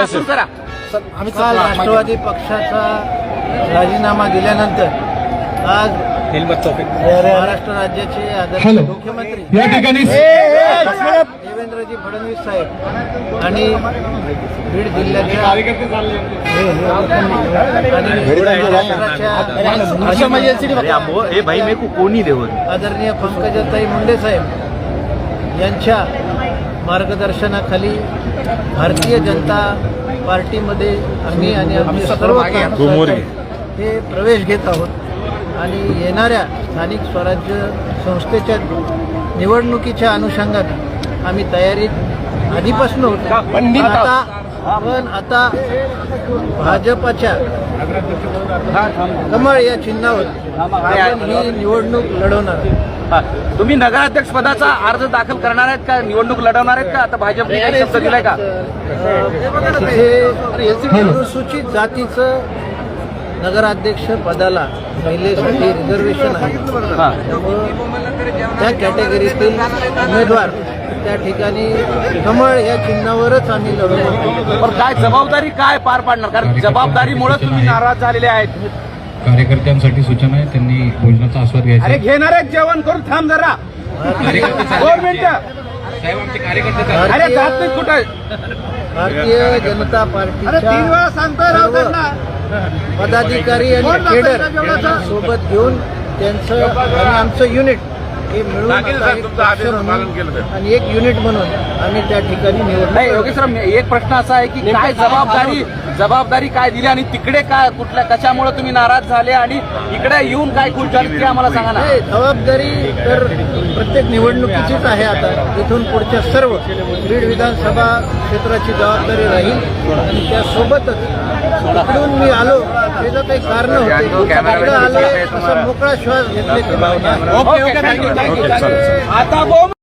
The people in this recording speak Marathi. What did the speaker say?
काल राष्ट्रवादी पक्षाचा राजीनामा दिल्यानंतर आज महाराष्ट्र राज्याचे आदरणीय मुख्यमंत्री या ठिकाणी देवेंद्रजी फडणवीस साहेब आणि बीड जिल्ह्याच्या आदरणीय पंकजाताई मुंडे साहेब यांच्या मार्गदर्शनाखाली भारतीय जनता पार्टीमध्ये आम्ही आणि आमचे सर्व कार्यकर्ते हे प्रवेश घेत आहोत आणि येणाऱ्या स्थानिक स्वराज्य संस्थेच्या निवडणुकीच्या अनुषंगाने आम्ही तयारीत आधीपासून होतो. पण आता भाजपच्या कमळ या चिन्हावर आपण ही निवडणूक लढवणार. तुम्ही नगराध्यक्ष पदाचा अर्ज दाखल करणार आहेत का, निवडणूक लढवणार आहेत का? आता भाजपने काही शब्द दिलाय का? तिथे अनुसूचित जातीचं नगराध्यक्ष पदाला महिलेसाठी रिझर्वेशन आहे. त्या कॅटेगरीतील उमेदवार त्या ठिकाणी कमळ या चिन्हावरच आम्ही लढवणार. पण काय जबाबदारी काय पार पाडणार? कारण जबाबदारीमुळे तुम्ही नाराज झालेले आहेत. कार्यकर्त्यांसाठी सूचना आहे, त्यांनी भोजनाचा आस्वाद घ्यायचा. अरे घेणार आहेत जेवण करून थांब जरा 2 मिनिटं. अरे जात नाही कुठं. भारतीय जनता पार्टीच्या पदाधिकारी आणि केडर सोबत घेऊन त्यांचं आणि आमचं युनिट हे मिळून आणि एक युनिट म्हणून आम्ही त्या ठिकाणी नाही. योगेश सर, एक प्रश्न असा आहे की काय जबाबदारी काय दिली आणि तिकडे काय कुठल्या कशामुळे तुम्ही नाराज झाले आणि इकडे येऊन काय खुश झाली ते आम्हाला सांगा ना. जबाबदारी तर प्रत्येक निवडणुकीचीच आहे. आता इथून पुढच्या सर्व बीड विधानसभा क्षेत्राची जबाबदारी राहील आणि त्यासोबतच इकडून मी आलो त्याचं काही कारण होते. आलो असं मोकळा श्वास घेतल्याची भावना. आता